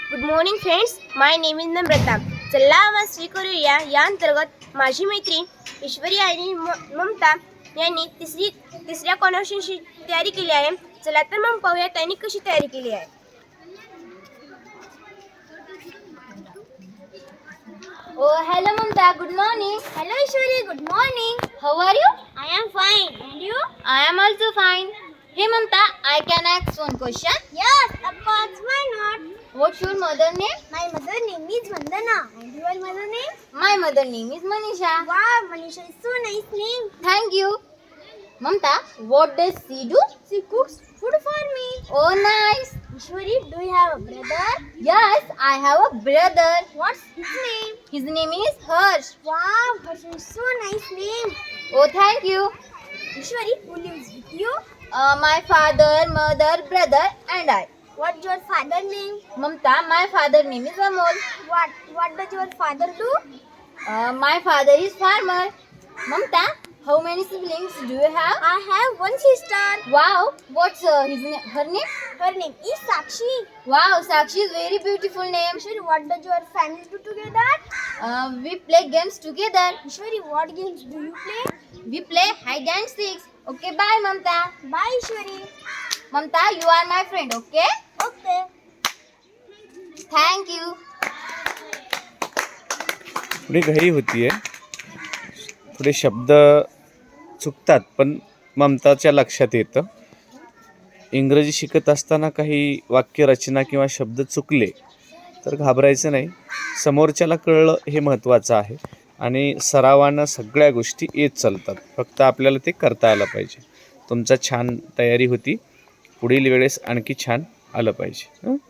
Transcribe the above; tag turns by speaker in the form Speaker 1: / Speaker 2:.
Speaker 1: Good morning friends, my name is Namrata. चला आवाज स्वीकारूया या अंतर्गत माझी मैत्रीण ईश्वरी आणि ममता यांनी तिसऱ्या कॉन्व्हर्सेशनची तयारी केली आहे. चला तर मग पाहूया त्यांनी कशी तयारी केली आहे.
Speaker 2: Oh, hello Mamta. Good morning.
Speaker 1: Hello Ishwari, good morning.
Speaker 2: How are you?
Speaker 1: I am fine and you?
Speaker 2: I am also fine. Hey Mamta, I can ask one question.
Speaker 1: Yes, of course, why not?
Speaker 2: What's your mother name?
Speaker 1: My mother name is Vandana and your mother name?
Speaker 2: My mother name is Manisha.
Speaker 1: Wow, Manisha is so nice name.
Speaker 2: Thank you. Mamta, what does she do?
Speaker 1: She cooks food for me.
Speaker 2: Oh, nice.
Speaker 1: Ishwari, do you have a brother?
Speaker 2: Yes, I have a brother.
Speaker 1: What's his name?
Speaker 2: His name is Harsh.
Speaker 1: Wow, Harsh is so nice name.
Speaker 2: Oh, thank you.
Speaker 1: Ishwari, who lives with you?
Speaker 2: My father, mother, brother, and I.
Speaker 1: What's your father name?
Speaker 2: Mamta, my father name is Amol.
Speaker 1: What does your father do?
Speaker 2: My father is farmer. Mamta, how many siblings do you have?
Speaker 1: I have one sister.
Speaker 2: Wow, what's her name?
Speaker 1: Her name is Sakshi.
Speaker 2: Wow, Sakshi is very beautiful name.
Speaker 1: Ishwari, what does your family do together?
Speaker 2: We play games together.
Speaker 1: Ishwari, what games do you play?
Speaker 2: We play hide and seek. Okay, bye Mamta.
Speaker 1: Bye, Ishwari.
Speaker 2: Mamta, you are my friend, okay?
Speaker 1: Okay.
Speaker 2: Thank you.
Speaker 3: थोडी घाई होतीये, थोडे शब्द चुकतात, पण ममताच्या लक्षात येतं. इंग्रजी शिकत असताना काही वाक्यरचना किंवा शब्द चुकले तर घाबरायचं नाही. समोरच्याला कळलं हे महत्त्वाचं आहे आणि सरावानं सगळ्या गोष्टी येत चालतात. फक्त आपल्याला ते करता आलं पाहिजे. तुमचा छान तयारी होती. पुढील वेळेस आणखी छान आलं पाहिजे.